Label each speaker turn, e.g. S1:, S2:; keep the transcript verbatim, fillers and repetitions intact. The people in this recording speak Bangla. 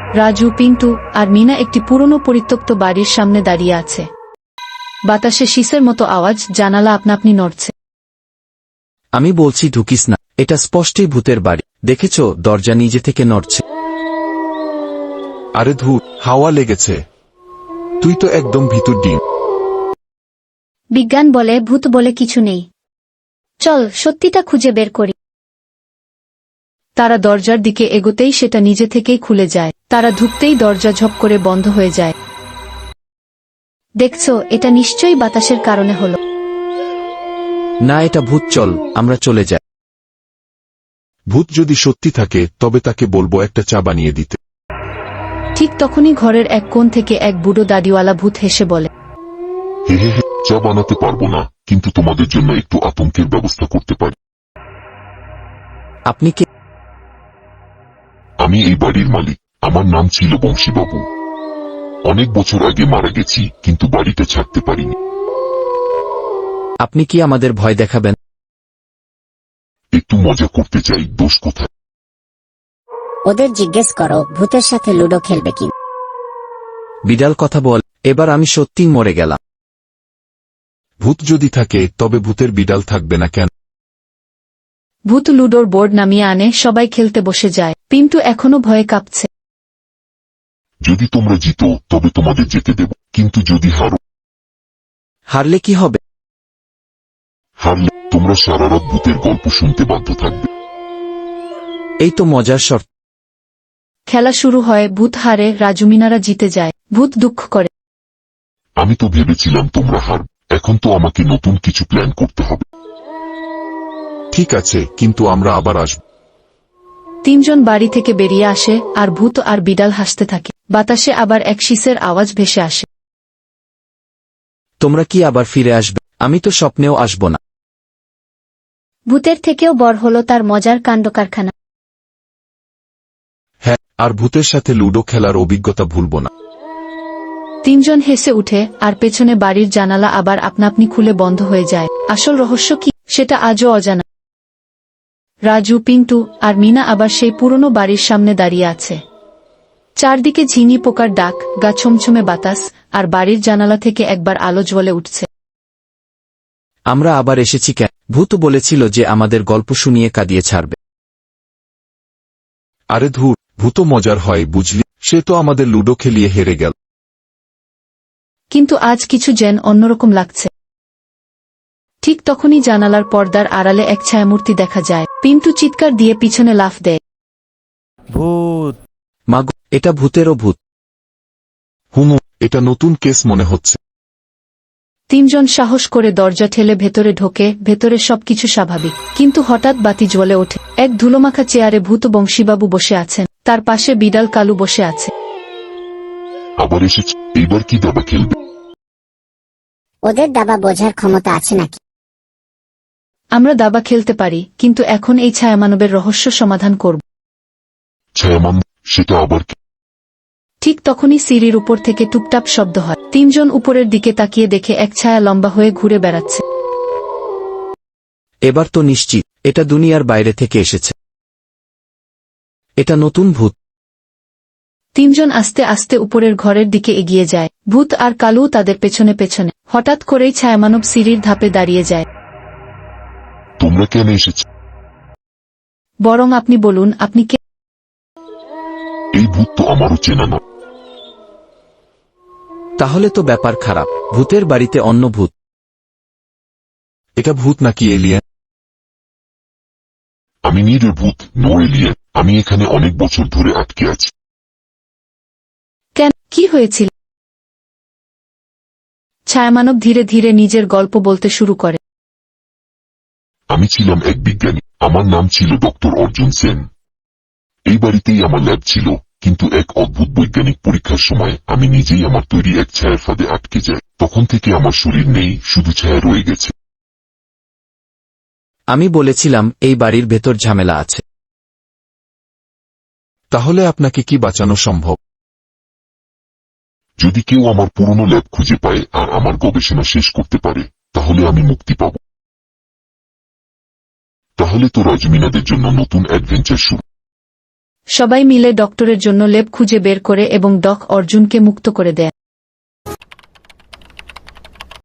S1: রাজু, পিন্টু আর মিনা একটি পুরনো পরিত্যক্ত বাড়ির সামনে দাঁড়িয়ে আছে। বাতাসে শীষের মতো আওয়াজ, জানালা আপনা-আপনি নড়ছে।
S2: আমি বলছি ঢুকিস না, এটা স্পষ্টই ভূতের বাড়ি। দেখেছ, দরজা নিজে থেকে নড়ছে।
S3: আরে ধুর, হাওয়া লেগেছে। তুই তো একদম ভিতর ডিম।
S4: বিজ্ঞান বলে ভূত বলে কিছু নেই। চল সত্যিটা খুঁজে বের করি।
S1: তারা দরজার দিকে এগোতেই সেটা নিজে থেকেই খুলে যায়। তারা ঢুকতেই দরজা ঝপ করে বন্ধ হয়ে যায়।
S4: দেখছো, এটা নিশ্চয়ই বাতাসের কারণে হলো।
S2: না, এটা ভূত। চল, আমরা চলে যাই।
S3: ভূত যদি সত্যি থাকে তবে তাকে বলবো একটা চা বানিয়ে দিতে।
S1: ঠিক তখনই ঘরের এক কোণ থেকে এক বুড়ো দাড়িওয়ালা ভূত হেসে বলে,
S5: হে হে হে, চা বানাতে পারবো না, কিন্তু তোমাদের জন্য একটু আতঙ্কের ব্যবস্থা করতে পারি।
S2: আপনি কে?
S5: আমি এই বাড়ির মালিক। আমার নাম ছিল বংশীবাবু। অনেক বছর আগে মারা গেছি, কিন্তু বাড়িটা ছাড়তে পারিনি।
S2: আপনি কি আমাদের ভয় দেখাবেন?
S5: একটু মজা করতে চাই, দোষ কোথায়?
S6: ওদের জিজ্ঞেস করো ভূতের সাথে লুডো খেলবে কি।
S2: বিড়াল কথা বল। এবার আমি সত্যিই মরে গেলাম।
S3: ভূত যদি থাকে তবে ভূতের বিড়াল থাকবে না কেন?
S1: ভূত লুডোর বোর্ড নামিয়ে আনে, সবাই খেলতে বসে যায়। পিন্টু এখনো ভয়ে কাঁপছে।
S5: যদি তোমরা জিতো তবে তোমাদের যেতে দেব, কিন্তু যদি হারো?
S2: হারলে কি হবে?
S5: হারলে তোমরা সারা রাত ভূতের গল্প শুনতে বাধ্য থাকবে।
S2: এই তো মজার শর্ত।
S1: খেলা শুরু হয়। ভূত হারে, রাজুমিনারা জিতে যায়। ভূত দুঃখ করে,
S5: আমি তো ভেবেছিলাম তোমরা হারবে। এখন তো আমাকে নতুন কিছু প্ল্যান করতে হবে।
S3: ঠিক আছে, কিন্তু আমরা আবার আসব।
S1: তিনজন বাড়ি থেকে বেরিয়ে আসে, আর ভূত আর বিড়াল হাসতে থাকে। বাতাসে আবার এক শীষের আওয়াজ ভেসে আসে।
S2: তোমরা কি আবার ফিরে আসবে? আমি তো স্বপ্নেও আসব না।
S4: ভূতের থেকেও বড় হলো তার মজার কাণ্ডকারখানা।
S3: হ্যাঁ, আর ভূতের সাথে লুডো খেলার অভিজ্ঞতা ভুলব না।
S1: তিনজন হেসে উঠে, আর পেছনে বাড়ির জানালা আবার আপনা-আপনি খুলে বন্ধ হয়ে যায়। আসল রহস্য কি, সেটা আজও অজানা। রাজু, পিন্টু আর মিনা আবার সেই পুরনো বাড়ির সামনে দাঁড়িয়ে আছে। চারদিকে ঝিঙি পোকার ডাক, গা ছমছমে বাতাস, আর বাড়ির জানালা থেকে একবার আলো জ্বলে উঠছে।
S2: আমরা আবার এসেছি কেন? ভূত বলেছিল যে আমাদের গল্প শুনিয়ে কাঁদিয়ে ছাড়বে।
S3: আরে ধুর, ভূত মজার হয় বুঝলি। সে তো আমাদের লুডো খেলিয়ে হেরে গেল।
S1: কিন্তু আজ কিছু যেন অন্যরকম লাগছে। ঠিক তখনই জানালার পর্দার আড়ালে এক ছায়ামূর্তি দেখা যায়। পিন্টু চিৎকার দিয়ে পিছনে লাফ দেয়।
S7: ভূত!
S2: মাগো, এটা ভূতেরও ভূত।
S3: হুমু, এটা নতুন কেস মনে হচ্ছে।
S1: তিনজন সাহস করে দরজা ঠেলে ভেতরে ঢোকে। ভেতরে সবকিছু স্বাভাবিক, কিন্তু হঠাৎ বাতি জ্বলে ওঠে। এক ধুলোমাখা চেয়ারে ভূত বংশীবাবু বসে আছেন, তার পাশে বিড়াল কালু বসে আছে।
S5: আবার এসেছে, এইবার কি দাবা খেলবে?
S6: ওদের দাবা বোঝার ক্ষমতা আছে নাকি?
S1: আমরা দাবা খেলতে পারি, কিন্তু এখন এই ছায়ামানবের রহস্য সমাধান করব।
S5: ছায়ামান? সেটা আবার কি?
S1: ঠিক তখনই সিঁড়ির উপর থেকে টুপটাপ শব্দ হয়। তিনজন উপরের দিকে তাকিয়ে দেখে এক ছায়া লম্বা হয়ে ঘুরে বেড়াচ্ছে।
S2: এবার তো নিশ্চিত এটা দুনিয়ার বাইরে থেকে এসেছে। এটা নতুন ভূত।
S1: তিনজন আস্তে আস্তে উপরের ঘরের দিকে এগিয়ে যায়। ভূত আর কালু তাদের পেছনে পেছনে। হঠাৎ করেই ছায়ামানব সিঁড়ির ধাপে দাঁড়িয়ে যায়।
S5: তোমরা কেন এসেছ?
S1: বরং আপনি বলুন, আপনি কে?
S5: এই ভূত তো আমারও চেনা না।
S2: তাহলে তো ব্যাপার খারাপ। ভূতের বাড়িতে অন্য ভূত।
S3: এটা ভূত নাকি এলিয়েন?
S5: আমি নিরের ভূত, নো এলিয়েন। আমি এখানে অনেক বছর ধরে আটকে আছি।
S1: কেন, কি হয়েছিল? ছায়ামানব ধীরে ধীরে নিজের গল্প বলতে শুরু করে।
S5: আমি ছিলাম এক বিজ্ঞানী। আমার নাম ছিল ডক্টর অর্জুন সেন। এই বাড়িতেই আমার ল্যাব ছিল, কিন্তু এক অদ্ভুত বৈজ্ঞানিক পরীক্ষার সময় আমি নিজেই আমার তৈরি এক ছায়ার ফাঁদে আটকে যাই। তখন থেকে আমার শরীর নেই, শুধু ছায়া রয়ে গেছে।
S2: আমি বলেছিলাম এই বাড়ির ভেতর ঝামেলা আছে।
S3: তাহলে আপনাকে কি বাঁচানো সম্ভব?
S5: যদি কেউ আমার পুরনো ল্যাব খুঁজে পায় আর আমার গবেষণা শেষ করতে পারে, তাহলে আমি মুক্তি পাব। তাহলে তো রাজমিনাদের জন্য নতুন অ্যাডভেঞ্চার শুরু।
S1: সবাই মিলে ডক্টরের জন্য লেপ খুঁজে বের করে এবং ডক অর্জুনকে মুক্ত করে দেয়।